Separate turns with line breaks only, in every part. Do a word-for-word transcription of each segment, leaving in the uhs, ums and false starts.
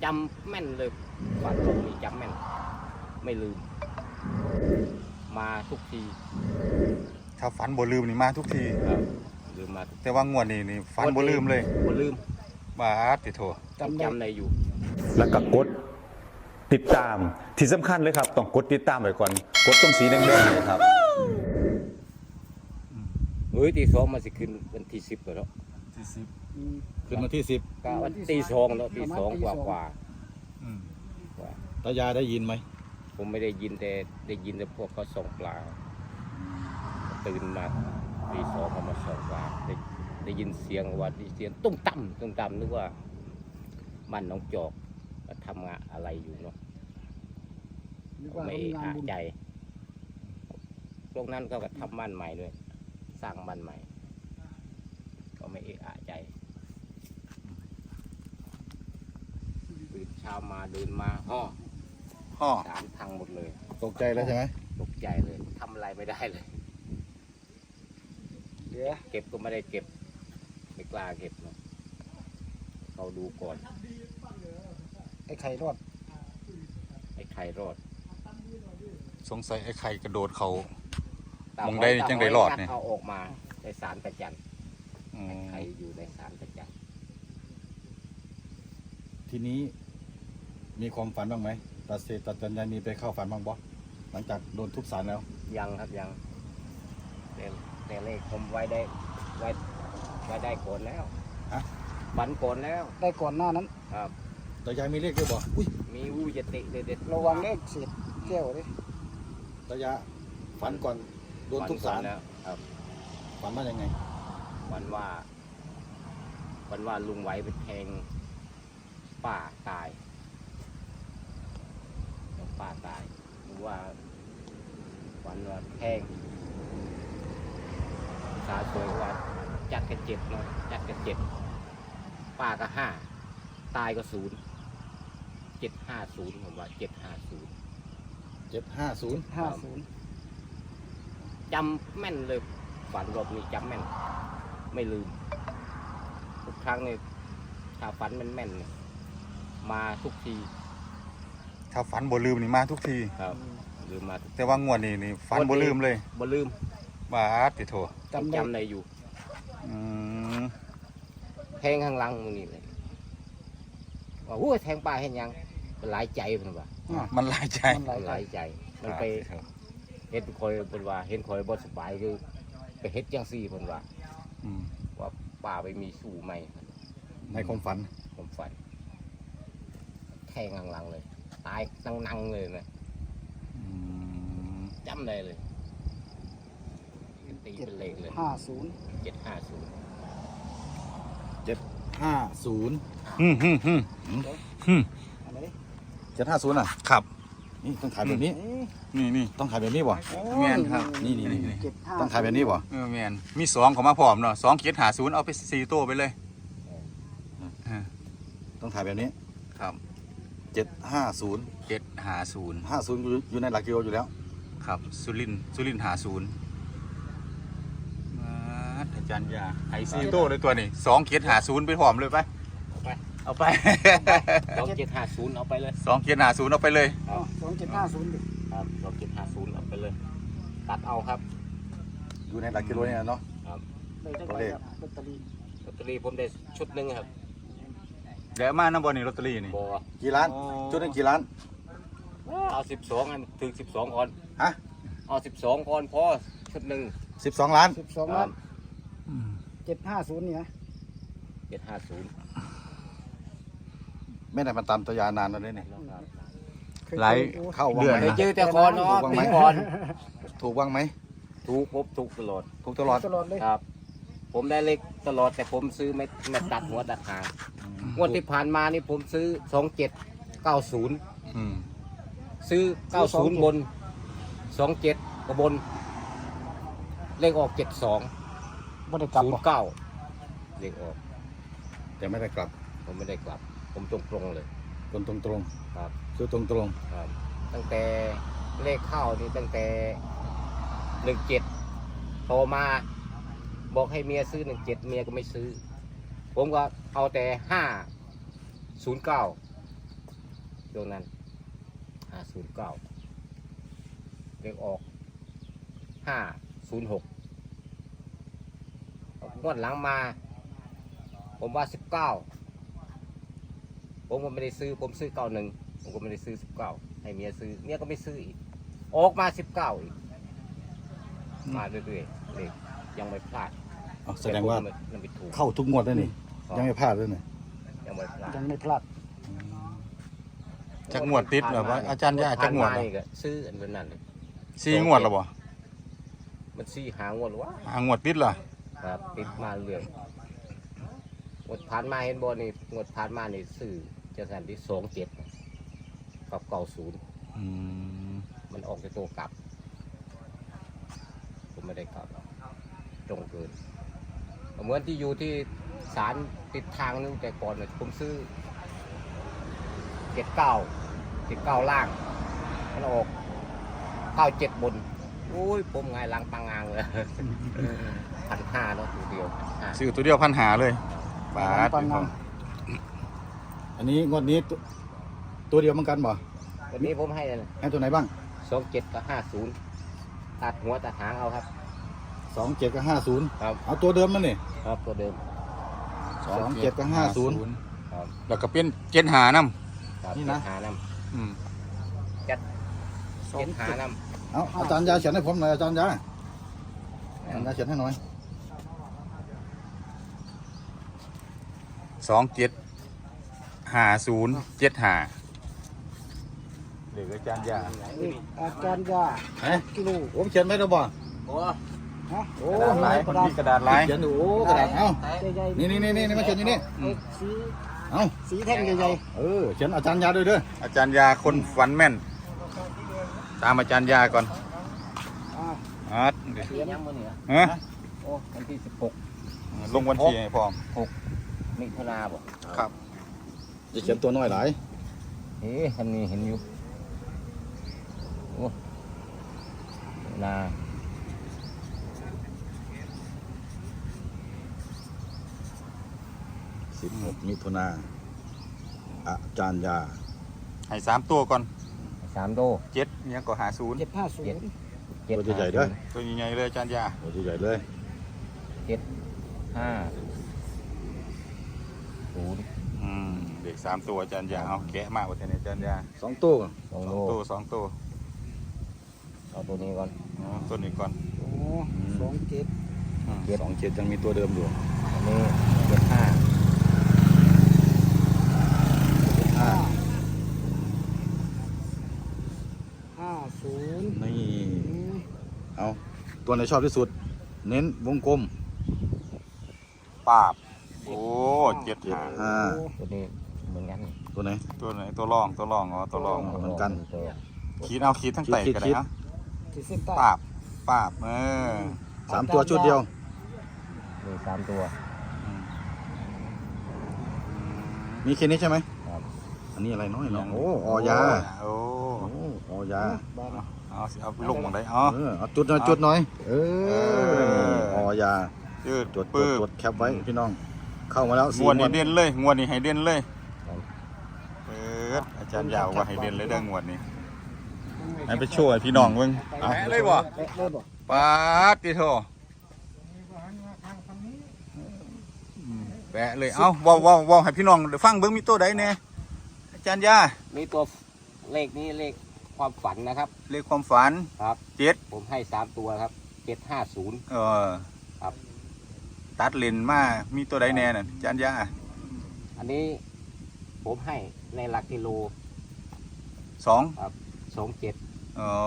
จำแม่นเลยฝันลมนี่จำแม่นไม่ลืมมาทุกที
ถ้าฝันบ่ลืมนี่มาทุกที
ครับลืมมา
แต่ว่างวดนี้นี่ฝันบ่ลืมเลย
บ่ลืม
บาดติโถ
จำจำในอยู่
แล้วก็กดติดตามที่สำคัญเลยครับต้องกดติดตามไว้ก่อนกดตรงสีแดงๆเนี่ยครับ
เฮ้ยตีสองมาสิขึ้นวันที่สิบแล้ว
ที่สิบ
ขึ้นมาที่สิบ
ก็วันตีสองแล้วตีสองกว่ากว่า
อืม
กว่า
ตายาได้ยินไหม
ผมไม่ได้ยินแต่ได้ยินแต่พวกเขาส่องปลาตื่นมาตีสองเขามาส่องปลาได้ได้ยินเสียงว่าได้เสียงตุ้มตั้มตุ้มตั้มนึกว่าบ้านน้องจอกทำงานอะไรอยู่เนาะไม่อาใจพวกนั้นก็ทำบ้านใหม่ด้วยสร้างบ้านใหม่ก็ไม่เอะอะใจตื่นเช้ามาเดินมาห่อ
ฮ่อ
สามทางหมดเลย
ตกใจแล้วใช่ไหม
ตกใจเลยทำอะไรไม่ได้เลย
เดี๋ยว
เก็บก็ไม่ได้เก็บไม่กล้าเก็บเนาะเขาดูก่อน
ไอ้ไข่รอด
ไอ้ไข่รอด
สงสัยไอ้ไข่กระโดดเขา
ตาม
องได้จังได้รอดเนี่ย
เอาออกมาในสารประจัน
อืม
ไข่อยู่ในสารประจัน
ทีนี้มีความฝันบ้างไหมตาเสตาจันยายมีไปเข้าฝันบ้างบ่หลังจากโดนทุบสารแล้ว
ยังครับยังแต่แต่เลขผมไว้ได้ไว้ไว้ได้ก่อนแล้ว
ฮะ
ฝันก่อนแล้ว
ได้ก่อนหน้านั้น
ครับ
ตายายมีเลขด้วยบ่อุ้ย
มีวูยติเด็ดๆ
ระวังเลขเศษแก้วดิ
ตายาฝันก่อนโดนทุบสาร
ฝัก่อนแล้วครับ
ฝันว่ายังไง
วันว่าวันว่าลุงไหวไปแทงป้าตายป้าตายหรือว่าวันว่าแทงสาสวยว่าจัดกันเจ็บเนาะจัดกันเจ็บป้าก็ห้าตายก็ศูนย์เจ็ดห้าศูนย์ผมว่าเจ็ดห้าศูนย์
เจ็ดห้าศูนย์
ห้าศูนย์
จำแม่นเลยฝันรอบนี้จำแม่นไม่ลืมทุกครั้งเนี่ยถ้าฝันแม่นแม่นๆเนี่ยมาทุกที
ถ้าฝันบ่ลืมนี่มาทุกที
ครับลืมมาทุก
แต่ว่างวดนี้นี่ฝันบ่ลืมเลย
บ่ลืม
บาดติโถ
จำได้
จำในอยู่
อืม
แทงข้างหลังมึงนี่เลยว่าโอ้ยแทงป้าเห็นยังมันหลายใจเพิ่นว่า
มันหลายใจ
มันหลาย
มัน
ใจ
หลายใจ มันไปเฮ็ดคอยเพิ่นว่าเห็นคอยบ่สบายคือไปเฮ็ดจังซี่เพิ่นว่า
อืม
ว่าป้าไปมีสู้ใหม่
ในความฝัน
ผมฝันแทงข้างหลังเลย ตายนั่งๆเลยนะ
อืม
จำได้เลยตีเป็นเลขเลย
ห้าศูนย์
เจ็ดห้าศูนย์
เจ็ดห้าศูนย์
อืมอืมอืมอืม
อะไรดิ
เจ็ดห้าศูนย์อ่ะ
ครับ
นี่ต้องถ่ายแบบนี้
นี่นี่
ต้องถ่ายแบบนี้บ่
แม่นครับ
นี่นี่นี่
เจ็ดห้า
ต้องถ่ายแบบนี้บ่
เออแมนมีสองเขามาพร้อมเนาะสองเกียรหาศูนย์เอาไปสี่ตัวไปเลยเออ
ต้องถ่ายแบบนี้
ครับ
เจ็ดห้าศูนย์
เจ็ดหาศูนย์
ห้าศูนย์อยู่ในหลักกิโลอยู่แล้ว
ครับสุรินทร์สุรินทร์หาศูนย์มาอาจารย์ยาไอซีโต้เลยตัวนี้สองเกียรหาศูนย์ไปพร้อมเลยไป
ไป
เอาไป
สองเจ็ดห้าศูนย์เอาไปเลย
สองเกียรหาศูนย์เอาไปเลย
อ๋อสองเจ็ดห้าศูนย์ดิ
ครับสองเจ็ดห้าศูนย์เอาไปเลย ตัดเอาครับ
อยู่ในหลักกิโลเนี่ยเนาะ
ครับ
ได้จัง
ตัว
ไป
เลข
ครับลอตเตอรี่
ลอตเตอรี่ผมได้ชุดหนึ่งครับ
เดี๋ยวมาน้ำบอลนี่ลอตเตอรี่นี่
บอ
กี่ล้าน
โอ้
ชุดนึงกี่ล้าน
เอาสิบสองอันถึงสิบสองก่อน
ฮะ
เอาสิบสองก่อนพอชุดหนึ่ง
สิบสองล้าน
สิบสองล้านเจ็ดห้าศูนย์นี่นะ
เจ็ดห้าศูนย์
ไม่ได้มาตามตัวยานานแล้วเนี่ย
เคย
หลาย
เจอ
เข้าว่าง
เดือน
ไหม
เคยเจอแต่ก่อนเนาะ
ถูกบ้างไหม
ปีก่อน
ถูกบ้างไหม
ถูกพบถูกตลอด
ถูกตลอด
ตลอดเลย
ครับ ผมได้เลขตลอดแต่ผมซื้อไม่ไม่ตัดหัวตัดหางงวดที่ผ่านมานี่ผมซื้อสองเจ็ดเก้าศูนย์
อืม
ซื้อเก้าศูนย์บนสองเจ็ดกบน เลขออกเจ็ดสอง
บ่ได้กลับ
ศูน
บ่
ย์เก้าเลขออก
แต่ไม่ได้กลับ
ผมไม่ได้กลับ ผมตรงตรงๆเลย
คนตรงตรง
ครับ
ๆซื้อตรงตรง
ครับ ตั้งแต่เลขเข้านี่ตั้งแต่หนึ่งเจ็ดโทรมา บอกให้เมียซื้อหนึ่งเจ็ดเมียก็ไม่ซื้อ ผมก็เอาแต่ห้าศูนย์เก้าช่วงนั้นห้าศูนย์เก้าเลขออกห้าศูนย์หกงวดหลังมา ผมว่าสิบเก้าผมก็ไม่ได้ซื้อผมซื้อเก้าหนึ่งผมก็ไม่ได้ซื้อสิบเก้าให้เมียซื้อเมียก็ไม่ซื้ออีกออกมาสิบเก้าอีกมาเรื่อยๆเลยยังไม่พลาด
เอาแสดงว่า
ต่ผมยังไม่ถูก
เข้าทุกงวดแล้วนี่ยังไม่พลาดเลยนี่
ยังไม่พลาด
ยังไม่พลาด
จักงวดติดเหรอวะอาจารย์ย่าจักงวด
ผ่าน
เหร
มา
อ
นี่ก็ซื้ออันนั้นเลย
สี่งวดแล้วบ่
มันซี่หางวดหรือวะ
หางวดติดเหรอ
ครับติดมาเรื่อยงวดผ่านมาเห็นบอนี่งวดผ่านมานี่ซื้อจะสั่นที่สองเจ็ดกับเก้าศูนย์
อืม
มันออกจากตัวกลับ ผมไม่ได้กลับตรงเกินเหมือนที่อยู่ที่ศาลติดทางนึงแต่ก่อนน่ะผมซื้อเจ็ดเก้าเจ็ดเก้าล่างมันออกเก้าเจ็ดบนโอ้ยผมไงล้างปังงางเลย พันห้าเนาะตัวเดียวพันห้า
ซื้อตัวเดียวพันหาเลยบาท
ปันงาม
อันนี้งวดนี้ตัวตัวเดียวเหมือนกันบ่
วันนี้ผมให้เลย
ให้ตัวไหนบ้าง
สองเจ็ดกับห้าศูนย์ตัดหัวตัดหางเอาครับ
สองเจ็ดกับห้าศูนย์
ครับ
เอาตัวเดิมมันนี่
ครับตัวเดิม
สองเจ็ดกับห้าศูนย์
ครับ
แล้วก็เป็นเจ็ดหานำ
ครับ
นี่นะ
เจ็ดหาน
อืม
ำจัดเจ็ดหานำ
เอาอาจารย์ยาเขียนให้ผมหน่อยอาจารย์ยาอาจารย์ยาเขียนให้หน่อย
สองเจ็ดหาศูนย์เจ็ดหาเหลืออาจารย์ยา
นี่อาจารย์ยา
เฮ้ย
กิโล
ผมเขียนไม่ได้บ่
โอ้
ฮะ
โอ้
กระดาษลายคนมีกระดาษลาย
เขียนอยู่โอ้กระดาษเอา
ใหญ่ๆ
นี่นี่นี่นี่มาเขียนอยู่นี่
เอ็กสี
เอา
สีแท่งใหญ่
เออเขียนอาจารย์ยาด้วยเด้อ
อาจารย์ยาคนฝันแม่น ตามอาจารย์ยาก่อน
ๆอ่า
อาร์ตเดี๋ยว
ที่ยังมื้อนี้
ฮะ
โอ้วันที่สิบหก
ลงวันที่ให้พร้อม
มิถุนาบ่
ครับ
จะเขียนตัวน้อยหลาย
เอ๊ะอันนี้เห็นอยู่โอ้นา
สิบหกมิถุนาอาจารย์ยา
ให้สามตัวก่อน
สามโด
เจ็ดเนี่ยก็หาศูนย์
เจ็ดห้าศูนย์
เจ็ด
ตัวใหญ่ๆเด้อ
ตัวใหญ่ๆเลยอาจารย์ยา
ตัวใหญ่เลย
เจ็ดห้าศูนย์
อืมเด็กสามตัวอาจารย์ยาเอาแกะมากกว่าเทนอาจารย์ยา
สองตัว
สอง
ส
โล
องตัวสองตัว
เอาตัวนี้ก่อน
อ๋อตัวนี้ก่อน
โอ้สองเจ็ด
อืม
สองเจ็ดยังมีตัวเดิมอยู่
อันนี้เจ็ดห้า
ห้า
ห้าศูนย์
นี่
อืม
เอาตัวไหนชอบที่สุด เน้นวงกลม
ปาบโอ้เจ็ดหา
ห้า
ตัวนี้เหมือนกัน
ตัวไหน
ตัวไหนตัวรองตัวรองอ๋อตัวรอง
เหมือนกัน
ตัว
ขีดเอาขีดทั้งไต
ขีด
กัน
ขี
เลย
ด
นะ
ขีดเส้นใต้
ปาบปาบเออ
สามตัวชุดเดียว
นี่สามตัว
อืม
มีแค่นี้ใช่ไหม
ครับ
อันนี้อะไรน้อยเนาะโอ้ออยา
โอ้
โอ้ออยา
บ้าน
เอาสิเอาไปลงตรงไหนอ๋อ
เออเอาจุดหน่อยจุดหน่อย เอ
เอ
อ
อ
ออยา
ยืด
จดจ
ปื้
ด
บ
จดแคปไว้พี่น้อง เข้ามาแล้ว
ง
สี่
วด
งว
นี้
ด
เด่นเลยงวดนี้ให้เด่นเลย
ครับ
เปิดอาจารย์ยาวว่าให้เด่นเลยเด้องวดนี้ให้ไปโชว์ให้พี่น้องเบิ่งแปะเลยบ่
แปะเลยบ่
ปาดติโทแปะเลย เอ้าเว้าเว้าเว้าให้พี่น้องได้ฟังเบิ่งมีตัวใดแน่อาจารย์ยา
มีตัวเลขนี้เลขความฝันนะครับ
เลขความฝัน
ครับ
เจ็ด
ผมให้สามตัวครับเจ็ดห้าศูนย์
เออ
ครับ
ตัดเลนมามีตัวใดแน่น่ะอาจารย์ยา
อันนี้ผมให้ในหลักกิโล
สอง
สองเจ็ด
อ๋อ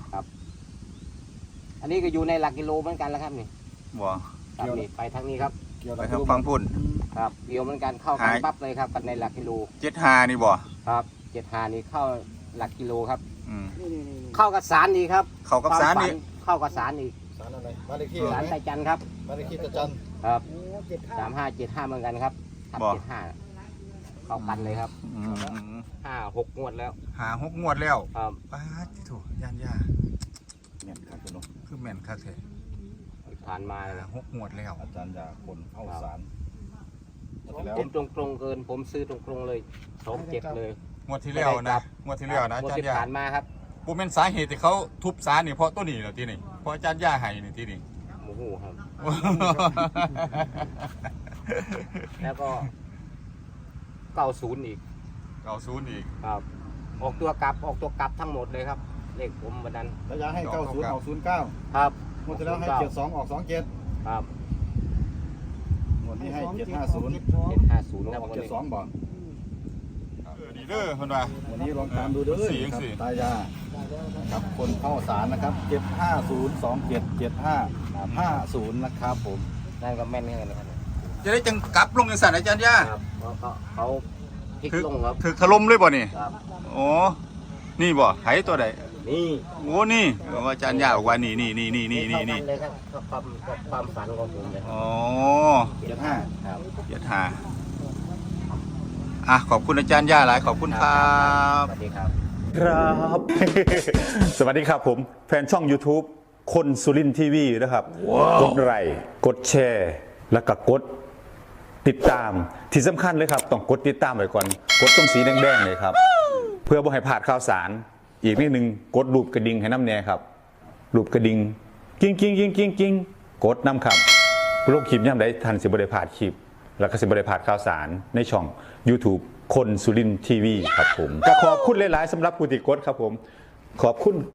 อันนี้ก็อยู่ในหลักกิโลเหมือนกันแล้วครับนี่
บ่
ครับนี่ไปทางนี้ครับ
เกี่ยว
ไป
กับ
ทางฟังพุ่น
ครับเดียวเหมือนกันเข้ากัน
หาย
ปั๊บเลยครับกันในหลักกิโล
เจ็ดหานี่บ่
ครับเจ็ดหานี่เข้าหลักกิโลครับ
อืม
นี่นี่นี่นี่
เข้ากับสารดีครับ
เข้ากับสารนี่
ควมฝัเข้ากับสารอีก
สารอะไรบ้านเลขที่
สารไตจันทร์ครับ
บ้านเลขที่ตะจัน
ครับ
โอ้เจ็ดห้า
สามห้าเจ็ดห้าเหมือนกันครับทับ
บ่
เจ็ดห้าเข้ากันเลยครับ
อืม
ห้าหกงวดแล้ว
หาหกงวดแล้ว
ครับ
ป้าดที่ถูกยานยา
เนี่ยครับพี่น้อง
คือแม่นคักแท้
ผ่านมาเลย
หาหกงวดแล้ว
อาจารย์ยาคนเข้าสารแล้ว
ผมตรงตรงๆเกิน ผมซื้อตรงตรงๆเลยสองเจ็ดเลย
งงวดที่แล้วนะงวดที่แล้วนะ
งว
อา
ด
จาร
ที่
ย์ย่า
ผ่านมาครับ
ปูเป็นสาเหตุที่เขาทุบสารนี่เพราะตัวนี้เหรอที่นี่เพราะอาจารย์ย่าให้นี่ที่นี่
โอ้โหครับ แล้วก็เก้าศูนย์อีก
เก่าศูนย์อีก
ครับ ออกตัวกลับออกตัวกลับทั้งหมดเลยครับ เลขผมวันนั้น
ระยะให้เก้าศูนย์ออกศูนย์เก้า
ครับ
หมดที่แล้วให้เจ็ดสองออกสองเจ็ด
ครับ
หมดนี้ให้เจ็ดห้าศูนย์
เจ็ดสอง
เจ็ดห้าศูนย์
อ
ครับ
อก
วัน
เจ็ด
นี้
สองบ่
เออดีเด้อคนว่า
วันนี้ลองตามดูเด้อ
สี่
ครับ
สี่
ตายาครับคนเข้าสารนะครับเจ็ดห้าศูนย์สองเจ็ดเจ็ดห้าห้าศูนย์นะครับผม
นั่นก็แม่นเหมือนกันนะครับ
จะได้จังกลับลงในสารอาจารย์ย่า
ครับเพราะเขาเขาพลิก
ถึก
ลงครับ
ถึกถล่มเลยบ่นี่
ครับ
โอ้นี่บ่ไหตัวใด
นี่
โอ้นี่เอออาจารย์ย่าบอกว่านี่นี่นี่นี่นี่นี่นี่
เท่ากัเลยครับก็ความก็ความฝันของผมเลยครับ
อ๋อ
เจ็ดห้า
ครับ
เจ็ดห้าอ่ะขอบคุณอาจารย์ย่าหลายขอบคุณครับ
สวัสดีครับ
ครับ สวัสดีครับผมแฟนช่อง YouTube คนสุรินทีวีนะครับ กดไลค์กดแชร์ แล้วก็กดติดตามที่สำคัญเลยครับ ต้องกดติดตามไว้ก่อน กดตรงสีแดงๆเลยครับ เพื่อบ่ให้พลาดข่าวสาร อีกนิดนึงกดรูปกระดิ่งให้น้ำแน่ครับรูปกระดิ่งกิ้งกิ้งกิ้งกิ้งกิ้งกดน้ำครับโลกคลิปย่ำได้ทันสิบริพลาดคลิป แล้วก็สิบริพลาดข่าวสารในช่อง YouTube คนสุรินทีวีครับผมก็ขอบคุณหลายๆสำหรับผู้ติดกดครับผมขอบคุณ